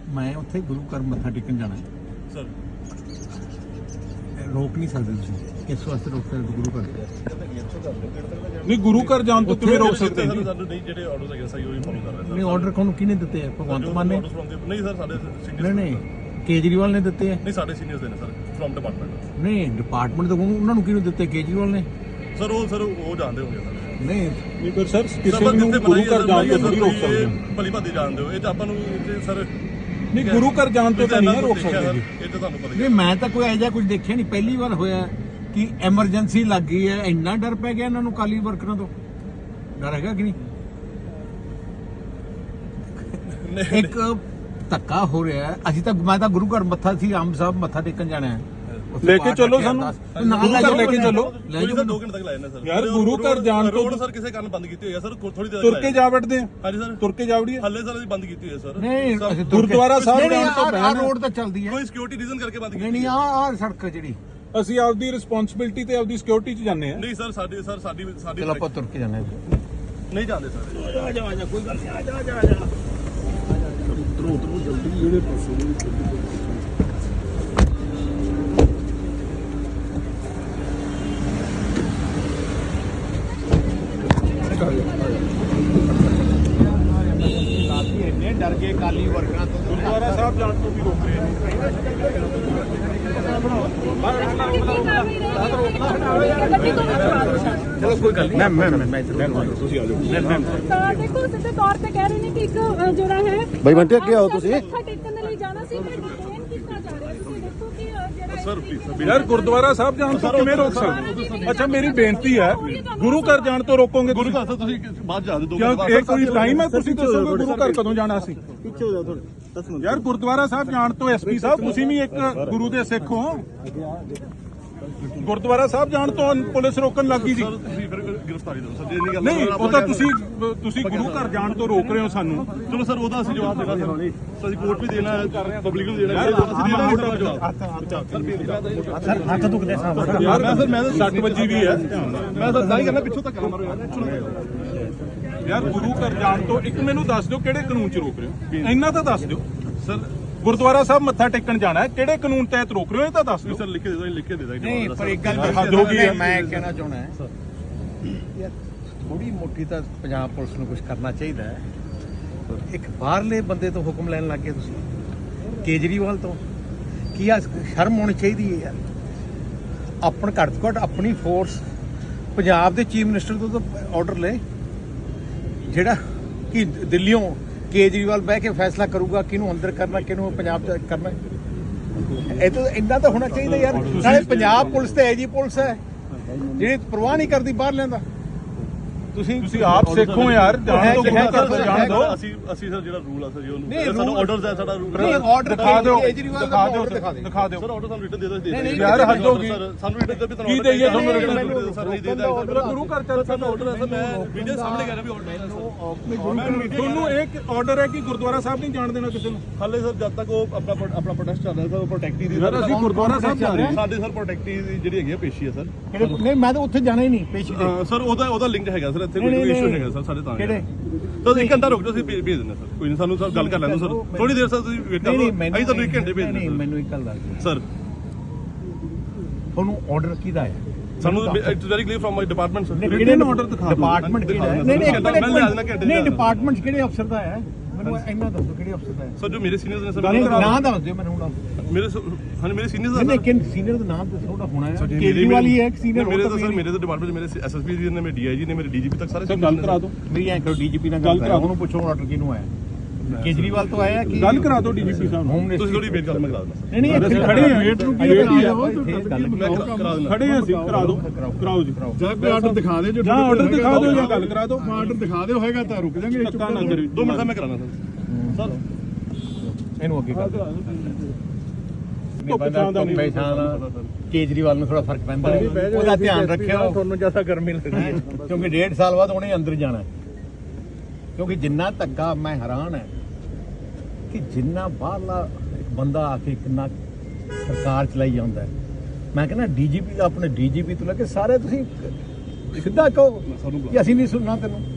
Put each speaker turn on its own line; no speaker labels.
मैं उत्थे गुरु घर मत्था टेकन जाना है
सर,
रोक नहीं सकते तुसीं इस वास्ते रोक सकते गुरु घर
नहीं गुरु घर जान तो किवें रोक सकते हैं जी?
ਸਾਨੂੰ ਨਹੀਂ ਜਿਹੜੇ ਆਰਡਰਸ ਹੈਗੇ ਸਹੀ ਉਹੀ ਫੋਲੋ ਕਰ ਰਹੇ
नहीं ऑर्डर कौन किने दिते हैं भगवंत मान ने
ਨਹੀਂ ਸਰ ਸਾਡੇ
नहीं
ਸੀਨੀਅਰ
नहीं केजरीवाल ने दिते हैं
ਨਹੀਂ ਸਾਡੇ ਸੀਨੀਅਰਸ ਦੇ ਨੇ ਸਰ ਫਰਮ ਡਿਪਾਰਟਮੈਂਟ
नहीं डिपार्टमेंट तो उन्होंने किहनूं दिते केजरीवाल ने
ਸਰ ਉਹ ਜਾਣਦੇ ਹੋਗੇ ਸਰ
नहीं
नहीं पर सर किसी ਨੂੰ ਗੁਰੂ ਘਰ ਜਾਣ ਤੋਂ ਨਹੀਂ ਰੋਕ ਸਕਦੇ
ਭਲੀ ਭਾਦੀ ਜਾਣਦੇ ਹੋ ਇਹ ਤਾਂ ਆਪਾਂ ਨੂੰ ਸਰ
नहीं गुरु घर जान तो नहीं रोक सकते जी।
ਇਹ ਤਾਂ ਤੁਹਾਨੂੰ ਪਤਾ ਹੀ
नहीं मैं तो कोई ऐसा कुछ देखिया नहीं पहली बार होया कि एमरजेंसी लग गई है इन्ना डर पै गया इन्होंने काली वर्करां तो डर हैगा कि नहीं एक धक्का हो रहा है अभी तक मैं तो गुरु घर मत्था सी आम साहब मत्था टेकन जाना है
लेके चलो सानू गुरु घर लेके चलो
ਕੋਈ ਸਰ 2 ਘੰਟੇ ਤੱਕ ਲਾਏ ਨੇ ਸਰ
यार गुरु घर जान तो
ਰੋਡ ਸਰ ਕਿਸੇ ਕਾਰਨ ਬੰਦ ਕੀਤੀ ਹੋਈ ਹੈ ਸਰ ਥੋੜੀ ਦੇਰ
तुर के जा बैठते हैं
ਹਾਂਜੀ ਸਰ
तुर के जा वड़िए
ਹੱਲੇ ਸਰ ਅਸੀਂ ਬੰਦ ਕੀਤੀ ਹੋਈ ਹੈ ਸਰ
नहीं
गुरुद्वारा साहब
नहीं,
जान तो
आ
पहले
रोड तो चलती है
ਕੋਈ ਸਿਕਿਉਰਿਟੀ ਰੀਜ਼ਨ ਕਰਕੇ ਬੰਦ
नहीं
ਕੀਤੀ
नहीं आ सड़क जी
ਅਸੀਂ ਆਪਦੀ ਰਿਸਪੌਂਸਿਬਿਲਟੀ ਤੇ ਆਪਦੀ ਸਿਕਿਉਰਿਟੀ 'ਚ ਜਾਂਦੇ ਆ
ਨਹੀਂ ਸਰ ਸਾਡੀ
चलो आप तुर के जाना है
ਨਹੀਂ ਜਾਂਦੇ ਸਰ
डर गए काली वर्करां तो
ਗੁਰਦੁਆਰਾ ਸਾਹਿਬ ਜਾਣ ਤੋਂ ਵੀ ਰੋਕ ਰਹੇ ਨੇ
चलो कोई गल नहीं मैं
ਤੁਸੀਂ ਆ ਜਾਓ
ਤਾਂ ਦੇਖੋ ਸਿੱਧੇ ਤੌਰ ਤੇ ਕਹਿ ਰਹੇ ਨੇ ਕਿ ਇੱਕ ਜਿਹੜਾ ਹੈ
ਬਾਈ ਬੰਟੇ ਅੱਗੇ ਆਓ ਤੁਸੀਂ
ਮੱਥਾ ਟੇਕਣ ਦੇ ਲਈ ਜਾਣਾ ਸੀ ਪਰ ਡਿਟੇਨ ਕੀਤਾ ਜਾ ਰਿਹਾ ਤੁਸੀਂ ਦੇਖੋ ਕਿ ਜਿਹੜਾ
ਸਰ ਪਲੀਜ਼
ਯਾਰ ਗੁਰਦੁਆਰਾ ਸਾਹਿਬ ਜਾਣ ਤੋਂ ਕਿਵੇਂ ਰੋਕ ਸਕਦੇ? ਅੱਛਾ ਮੇਰੀ ਬੇਨਤੀ ਹੈ ਗੁਰੂ ਘਰ ਜਾਣ ਤੋਂ ਰੋਕੋਗੇ
ਗੁਰੂ ਘਰ ਤੁਸੀਂ ਬਾਅਦ ਜਾ ਦੇ
ਕਿਉਂ ਇਹ ਕੋਈ ਟਾਈਮ ਹੈ ਤੁਸੀਂ ਦੱਸੋਗੇ ਗੁਰੂ ਘਰ ਕਦੋਂ ਜਾਣਾ ਸੀ?
ਪਿੱਛੇ ਹੋ ਜਾਓ ਥੋੜੇ ਦੱਸੋ
ਯਾਰ ਗੁਰਦੁਆਰਾ ਸਾਹਿਬ ਜਾਣ ਤੋਂ ਐਸਪੀ ਸਾਹਿਬ ਤੁਸੀਂ ਵੀ ਇੱਕ ਗੁਰੂ ਦੇ ਸਿੱਖ ਹੋ ਗੁਰਦੁਆਰਾ ਸਾਹਿਬ ਜਾਣ ਤੋਂ ਪੁਲਿਸ ਰੋਕਣ ਲੱਗੀ ਸੀ
ਸਰ ਤੁਸੀਂ ਫਿਰ ਗ੍ਰਿਫਤਾਰੀ ਦਿਓ ਸਰ ਜੇ ਨਹੀਂ ਗੱਲ
ਨਹੀਂ ਉਹ ਤਾਂ ਤੁਸੀਂ ਗੁਰੂ ਘਰ ਜਾਣ ਤੋਂ ਰੋਕ ਰਹੇ ਹੋ ਸਾਨੂੰ
ਚਲੋ ਸਰ ਉਹਦਾ ਅਸੀਂ ਜਵਾਬ ਦੇਣਾ ਸਰ ਅਸੀਂ ਕੋਰਟ ਵੀ ਦੇਣਾ ਹੈ ਪਬਲਿਕ ਨੂੰ ਦੇਣਾ ਹੈ ਅਸੀਂ ਦੇਣਾ ਮੋਟਾ ਜਵਾਬ
सर हाथ दुखते साहब
ਯਾਰ ਮੈਂ ਤਾਂ 60 ਵਜੇ ਵੀ ਹੈ
ਮੈਂ ਤਾਂ ਨਹੀਂ ਕਰਨਾ ਪਿੱਛੋਂ ਤੱਕ ਮਾਰੋ ਯਾਰ
ਯਾਰ ਗੁਰੂ ਘਰ ਜਾਣ ਤੋਂ ਇੱਕ ਮੈਨੂੰ ਦੱਸ ਦਿਓ ਕਿਹੜੇ ਕਾਨੂੰਨ 'ਚ ਰੋਕ ਰਹੇ ਹੋ ਇੰਨਾ ਤਾਂ ਦੱਸ ਦਿਓ
ਸਰ
ਗੁਰਦੁਆਰਾ ਸਾਹਿਬ ਮੱਥਾ ਟੇਕਣ ਜਾਣਾ ਹੈ ਕਿਹੜੇ ਕਾਨੂੰਨ ਤਹਿਤ ਰੋਕ ਰਹੇ ਹੋ ਇਹ ਤਾਂ ਦੱਸ ਦਿਓ
ਸਰ ਲਿਖ ਕੇ ਦੇ ਦੋ ਲਿਖ ਕੇ ਦੇ ਦਾਂਗੇ
नहीं पर एक गल
हद हो गई है।
मैं कहना चाहना है यार थोड़ी मोटी तो पंजाब पुलिस ਨੂੰ ਕੁਝ ਕਰਨਾ ਚਾਹੀਦਾ ਹੈ ਇੱਕ ਬਾਹਰਲੇ ਬੰਦੇ ਤੋਂ ਹੁਕਮ ਲੈਣ ਲੱਗੇ ਤੁਸੀਂ ਕੇਜਰੀਵਾਲ ਤੋਂ ਕੀ ਆ ਸ਼ਰਮ ਹੋਣੀ ਚਾਹੀਦੀ ਹੈ ਯਾਰ ਆਪਣ ਘੱਟ ਤੋਂ ਘੱਟ ਆਪਣੀ ਫੋਰਸ ਪੰਜਾਬ ਦੇ ਚੀਫ ਮਿਨਿਸਟਰ ਤੋਂ ਤਾਂ ਆਰਡਰ ਲੈ ਜਿਹੜਾ ਕਿ ਦਿੱਲੀੋਂ ਕੇਜਰੀਵਾਲ ਬਹਿ ਕੇ ਫੈਸਲਾ ਕਰੂਗਾ ਕਿਹਨੂੰ ਅੰਦਰ ਕਰਨਾ ਕਿਹਨੂੰ ਪੰਜਾਬ ਚ ਕਰਨਾ ਇਹ ਤਾਂ ਇੰਨਾ ਤਾਂ ਹੋਣਾ ਚਾਹੀਦਾ ਯਾਰ ਨਾਲੇ ਪੰਜਾਬ ਪੁਲਿਸ ਤੇ ਐਜੀ ਪੁਲਿਸ ਹੈ ਜਿਹੜੀ ਪਰਵਾਹ ਨਹੀਂ ਕਰਦੀ ਬਾਹਰ ਲੈਂਦਾ
ਤੁਸੀਂ ਆਪ ਸਿੱਖੋ ਯਾਰ ਜਾਣ ਤੋਂ ਗੁਰੂ ਘਰ ਤੋਂ ਜਾਣ ਦਿਓ
ਅਸੀਂ ਸਰ ਜਿਹੜਾ ਰੂਲ ਆ ਸਰ ਜੀ
ਨਹੀਂ,
ਉਹਨੂੰ ਸਾਨੂੰ
rule-
ਆਰਡਰਸ ਹੈ ਸਾਡਾ ਰੂਲ
ਨਹੀਂ ਆਰਡਰ
ਦਿਖਾ ਦਿਓ
ਕੇਜਰੀਵਾਲ ਦਾ
ਦਿਖਾ ਦਿਓ
order ਦਿਖਾ ਦੇ
ਦਿਖਾ ਦਿਓ
ਸਰ ਆਰਡਰ ਸਾਨੂੰ ਰਿਟਨ ਦੇ ਦੋ
ਨਹੀਂ, ਨਹੀਂ,
ਯਾਰ ਹੱਦ ਹੋ ਗਈ
ਸਾਨੂੰ ਰਿਟਨ ਦੇ ਵੀ
ਕੀ ਦੇਈਏ ਤੁਹਾਨੂੰ
ਰਿਟਨ
written?
ਸਰ ਨਹੀਂ ਦੇਦਾ
ਮੇਰਾ ਗੁਰੂ ਘਰ ਚੱਲ
ਸਾਨੂੰ ਆਰਡਰ ਹੈ ਸਰ ਮੈਂ ਵੀਡੀਓ ਸਾਹਮਣੇ ਕਰ ਰਿਹਾ ਵੀ ਆਰਡਰ ਹੈ
ਤੁਹਾਨੂੰ ਇੱਕ ਆਰਡਰ ਹੈ ਕਿ ਗੁਰਦੁਆਰਾ ਸਾਹਿਬ ਨਹੀਂ ਜਾਣ ਦੇਣਾ ਕਿਸੇ ਨੂੰ
ਹਾਲੇ ਸਰ ਜਦ ਤੱਕ ਉਹ ਆਪਣਾ ਪ੍ਰੋਟੈਸਟ ਚੱਲ ਰਿਹਾ ਸਰ ਉਹ ਪ੍ਰੋਟੈਕਟੀ ਦੀ
ਯਾਰ ਅਸੀਂ ਗੁਰਦੁਆਰਾ ਸਾਹਿਬ ਜਾ ਰਹੇ ਹਾਂ
ਸਾਡੇ ਸਰ ਪ੍ਰੋਟੈਕਟੀ ਦੀ ਜਿਹੜੀ ਹੈਗੀ ਆ ਪੇਸ਼ੀ ਹੈ ਸਰ
ਨਹੀਂ ਮੈਂ ਤਾਂ ਉੱਥੇ ਜਾਣਾ ਹੀ ਨਹੀਂ ਪੇਸ਼ੀ ਤੇ
ਸਰ ਉਹਦਾ ਲਿੰਕ ਹੈਗਾ ਸਰ ਇੱਥੇ
ਨਹੀਂ,
ਕੋਈ
ਨਹੀਂ,
ਇਸ਼ੂ
ਨਹੀਂ।
ਹੈਗਾ ਸਰ ਸਾਡੇ ਤਾਂ
ਕਿਹੜੇ?
ਤਾਂ 1 ਘੰਟਾ ਰੁਕ ਜਾਓ ਅਸੀਂ ਭੇਜ ਦਿੰਦੇ ਸਰ ਕੋਈ ਨਹੀਂ ਸਾਨੂੰ ਸਰ ਗੱਲ ਕਰ ਲੈਣ ਦਿਓ ਸਰ ਥੋੜੀ ਦੇਰ ਸਰ ਤੁਸੀਂ ਵੇਟ ਕਰੋ ਅਸੀਂ ਤੁਹਾਨੂੰ 1 ਘੰਟੇ ਭੇਜ
ਨਹੀਂ
ਦਿੰਦੇ
ਮੈਨੂੰ ਇੱਕ ਗੱਲ ਦੱਸ ਦਿਓ
ਸਰ
ਤੁਹਾਨੂੰ ਆਰਡਰ ਕਿਹਦਾ ਹੈ
ਸਾਨੂੰ it's very clear from my department sir
ਕਿਹੜੇ ਨੂੰ order ਦਿਖਾ ਦਿਓ।
ਡਿਪਾਰਟਮੈਂਟ ਕਿਹੜਾ ਹੈ
ਦਿਖਾ
ਨਹੀਂ
ਦਿਓ। ਮੈਂ ਲਿਆ ਦੇਣਾ ਘੰਟੇ
ਨਹੀਂ
ਚ।
ਡਿਪਾਰਟਮੈਂਟ ਕਿਹੜੇ ਅਫਸਰ ਦਾ ਹੈ ਮੈਨੂੰ ਇੰਨਾ ਦੱਸੋ ਕਿਹੜੇ ਅਫਸਰ ਦਾ ਹੈ
ਸਰ ਜੋ ਮੇਰੇ ਸੀਨੀਅਰਸ ਨੇ
ਨਹੀਂ
ਸਰ
ਨਾਂ ਦੱਸ ਦਿਓ ਮੈਨੂੰ ਹੁਣ
ਮੇਰੇ ਹਾਂ ਮੇਰੇ ਸੀਨੀਅਰਸ
ਨਹੀਂ
ਦਾ
ਨਹੀਂ ਕਿ ਸੀਨੀਅਰ ਦਾ ਨਾਮ ਦੱਸੋ ਉਹਦਾ ਹੋਣਾ ਹੈ ਕੇਜਰੀਵਾਲ ਹੀ ਹੈ ਇੱਕ ਸੀਨੀਅਰ
ਮੇਰੇ ਤਾਂ ਸਰ ਮੇਰੇ ਤਾਂ ਡਿਪਾਰਟਮੈਂਟ ਮੇਰੇ ਐਸਐਸਪੀ ਜੀ ਨੇ ਮੇਰੇ ਡੀਆਈਜੀ ਨੇ ਮੇਰੇ ਡੀਜੀਪੀ ਤੱਕ ਸਾਰੇ
ਸਰ ਗੱਲ ਕਰਾ ਦਿਓ
ਮੇਰੀ ਐਂ ਕਰੋ ਡੀਜੀਪੀ ਨਾਲ ਗੱਲ ਕਰਾ ਉਹਨੂੰ ਪੁੱਛੋ ਆਰਡਰ ਕਿਹਨੂੰ ਆਇਆ ਕੇਜਰੀਵਾਲ ਤੋਂ ਆਇਆ ਕਿ
ਗੱਲ ਕਰਾ ਦਿਓ ਡੀਜੀਪੀ ਸਾਹਿਬ ਨੂੰ
ਹੋਮ
ਤੁਸੀਂ ਥੋੜੀ ਵੇਟ ਕਰ ਮੈਂ ਕਰਾ ਦਿੰਦਾ
ਨਹੀਂ ਨਹੀਂ
ਅਸੀਂ ਖੜੇ ਹਾਂ ਵੇਟ ਨੂੰ ਕੀ
ਮੈਂ ਕਰਾ ਦਿੰਦਾ
ਖੜੇ ਹਾਂ ਅਸੀਂ ਕਰਾ ਦਿਓ ਕਰਾਓ ਜੀ
ਜਾਂ ਕੋਈ ਆਰਡਰ ਦਿਖਾ ਦੇ ਜੋ
ਜਾਂ ਆਰਡਰ ਦਿਖਾ ਦਿਓ ਜਾਂ ਗੱਲ ਕਰਾ ਦਿਓ
ਆਰਡਰ ਦਿਖਾ ਦਿਓ ਹੋਏਗਾ ਤਾਂ ਰੁਕ ਜਾਾਂਗੇ
ਧੱਕਾ ਨਾ ਕਰਿਓ
2 ਮਿੰਟ ਦਾ ਮੈਂ ਕਰਾਣਾ ਸਰ
ਇਹਨੂੰ ਅੱਗੇ ਕਰ
ਧੁੱਪ ਛਾਂ ਦਾ ਨਹੀਂ
ਕੇਜਰੀਵਾਲ ਨੂੰ ਥੋੜਾ ਫਰਕ ਪੈਂਦਾ ਹੈ ਉਹਦਾ ਧਿਆਨ ਰੱਖਿਓ ਤੁਹਾਨੂੰ ਜ਼ਿਆਦਾ ਗਰਮੀ ਲੱਗਦੀ ਹੈ ਕਿਉਂਕਿ 1.5 ਸਾਲ ਬਾਅਦ ਉਹਨੇ ਅੰਦਰ ਜਾਣਾ ਹੈ ਕਿਉਂਕਿ ਜਿੰਨਾ ਧੱਕਾ ਮੈਂ ਹੈਰਾਨ ਹੈ ਕਿ ਜਿੰਨਾ ਬਾਹਰਲਾ ਇੱਕ ਬੰਦਾ ਆ ਕੇ ਕਿੰਨਾ ਸਰਕਾਰ ਚਲਾਈ ਜਾਂਦਾ ਹੈ ਮੈਂ ਕਹਿੰਦਾ ਡੀਜੀਪੀ ਦਾ ਆਪਣੇ ਡੀਜੀਪੀ ਤੋਂ ਲੈ ਕੇ ਸਾਰੇ ਤੁਸੀਂ ਸਿੱਧਾ ਕਹੋ ਕਿ ਅਸੀਂ ਨਹੀਂ ਸੁਣਨਾ ਤੈਨੂੰ